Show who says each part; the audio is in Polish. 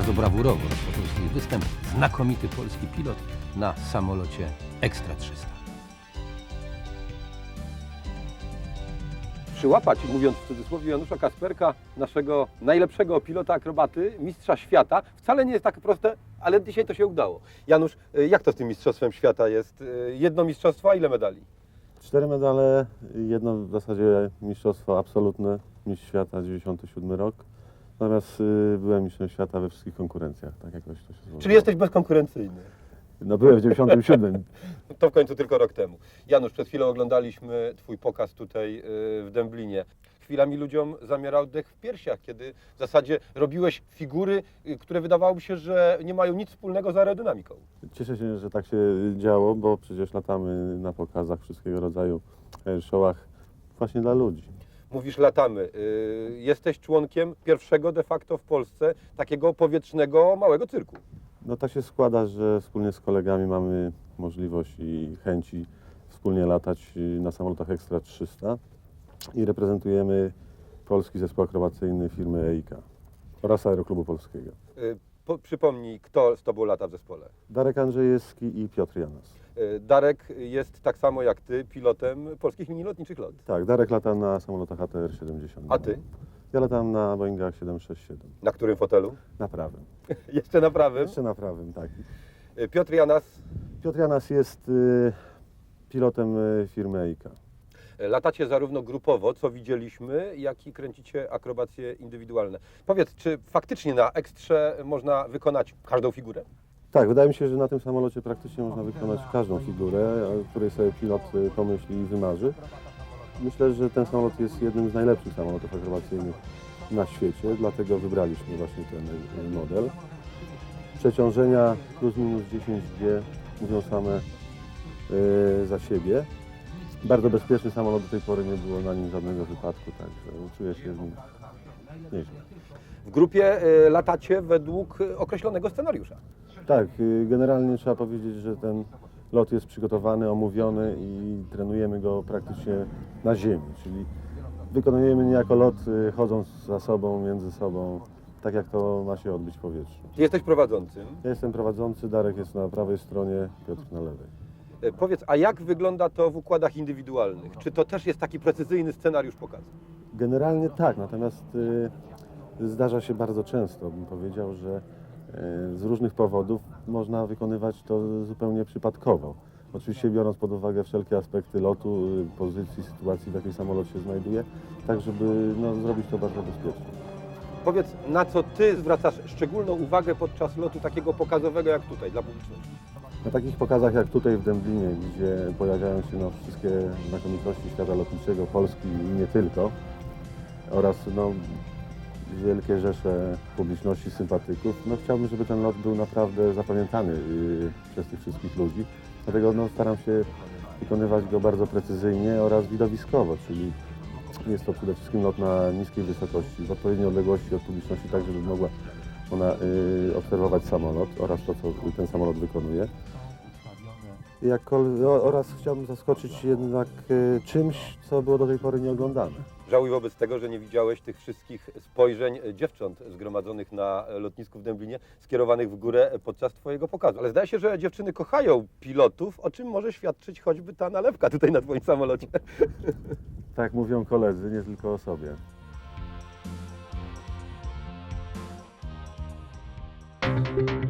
Speaker 1: bardzo brawurowo rozpoczął swój występ znakomity polski pilot na samolocie Ekstra 300. Przyłapać, mówiąc w cudzysłowie, Janusza Kasperka, naszego najlepszego pilota akrobaty, mistrza świata, wcale nie jest tak proste, ale dzisiaj to się udało. Janusz, jak to z tym mistrzostwem świata jest? Jedno mistrzostwo, a ile medali?
Speaker 2: 4 medale, jedno w zasadzie mistrzostwo absolutne, mistrz świata 97 rok. Natomiast byłem mistrzem świata we wszystkich konkurencjach, tak jakoś to się złożyło.
Speaker 1: Czyli jesteś bezkonkurencyjny.
Speaker 2: No byłem w 97.
Speaker 1: To w końcu tylko rok temu. Janusz, przed chwilą oglądaliśmy Twój pokaz tutaj w Dęblinie. Chwilami ludziom zamierał dech w piersiach, kiedy w zasadzie robiłeś figury, które wydawałoby się, że nie mają nic wspólnego z aerodynamiką.
Speaker 2: Cieszę się, że tak się działo, bo przecież latamy na pokazach wszystkiego rodzaju showach właśnie dla ludzi.
Speaker 1: Mówisz, latamy. Jesteś członkiem pierwszego de facto w Polsce takiego powietrznego małego cyrku.
Speaker 2: No tak się składa, że wspólnie z kolegami mamy możliwość i chęci wspólnie latać na samolotach Ekstra 300 i reprezentujemy polski zespół akrobacyjny firmy EIK oraz Aeroklubu Polskiego.
Speaker 1: Przypomnij, kto z Tobą lata w zespole?
Speaker 2: Darek Andrzejewski i Piotr Janas.
Speaker 1: Darek jest tak samo jak Ty pilotem polskich minilotniczych LOT.
Speaker 2: Tak, Darek lata na samolotach ATR-70.
Speaker 1: A Ty?
Speaker 2: Ja latam na Boeingach 767.
Speaker 1: Na którym fotelu?
Speaker 2: Na prawym.
Speaker 1: Jeszcze na prawym.
Speaker 2: Jeszcze na prawym, tak.
Speaker 1: Piotr Janas.
Speaker 2: Piotr Janas jest pilotem firmy EIK.
Speaker 1: Latacie zarówno grupowo, co widzieliśmy, jak i kręcicie akrobacje indywidualne. Powiedz, czy faktycznie na Ekstrze można wykonać każdą figurę?
Speaker 2: Tak, wydaje mi się, że na tym samolocie praktycznie można wykonać każdą figurę, o której sobie pilot pomyśli i wymarzy. Myślę, że ten samolot jest jednym z najlepszych samolotów akrobacyjnych na świecie, dlatego wybraliśmy właśnie ten model. Przeciążenia plus minus 10G mówią same za siebie. Bardzo bezpieczny samolot, do tej pory nie było na nim żadnego wypadku, także czuję się z nim nieźle.
Speaker 1: W grupie latacie według określonego scenariusza.
Speaker 2: Tak, generalnie trzeba powiedzieć, że ten lot jest przygotowany, omówiony i trenujemy go praktycznie na ziemi, czyli wykonujemy niejako lot chodząc za sobą, między sobą, tak jak to ma się odbyć w powietrzu.
Speaker 1: Ty jesteś prowadzącym.
Speaker 2: Ja jestem prowadzący, Darek jest na prawej stronie, Piotr na lewej.
Speaker 1: Powiedz, a jak wygląda to w układach indywidualnych? Czy to też jest taki precyzyjny scenariusz pokazu?
Speaker 2: Generalnie tak, natomiast zdarza się bardzo często, bym powiedział, że z różnych powodów można wykonywać to zupełnie przypadkowo. Oczywiście biorąc pod uwagę wszelkie aspekty lotu, pozycji, sytuacji, w jakiej samolot się znajduje, tak żeby zrobić to bardzo bezpiecznie.
Speaker 1: Powiedz, na co Ty zwracasz szczególną uwagę podczas lotu takiego pokazowego jak tutaj, dla publiczności?
Speaker 2: Na takich pokazach jak tutaj w Dęblinie, gdzie pojawiają się wszystkie znakomitości świata lotniczego, Polski i nie tylko, oraz wielkie rzesze publiczności, sympatyków, chciałbym, żeby ten lot był naprawdę zapamiętany przez tych wszystkich ludzi. Dlatego staram się wykonywać go bardzo precyzyjnie oraz widowiskowo, czyli jest to przede wszystkim lot na niskiej wysokości, w odpowiedniej odległości od publiczności, tak żeby mogła ona obserwować samolot oraz to, co ten samolot wykonuje. Oraz chciałbym zaskoczyć jednak czymś, co było do tej pory nieoglądane.
Speaker 1: Żałuj wobec tego, że nie widziałeś tych wszystkich spojrzeń dziewcząt zgromadzonych na lotnisku w Dęblinie, skierowanych w górę podczas Twojego pokazu. Ale zdaje się, że dziewczyny kochają pilotów, o czym może świadczyć choćby ta nalewka tutaj na Twoim samolocie.
Speaker 2: Tak mówią koledzy, nie tylko o sobie.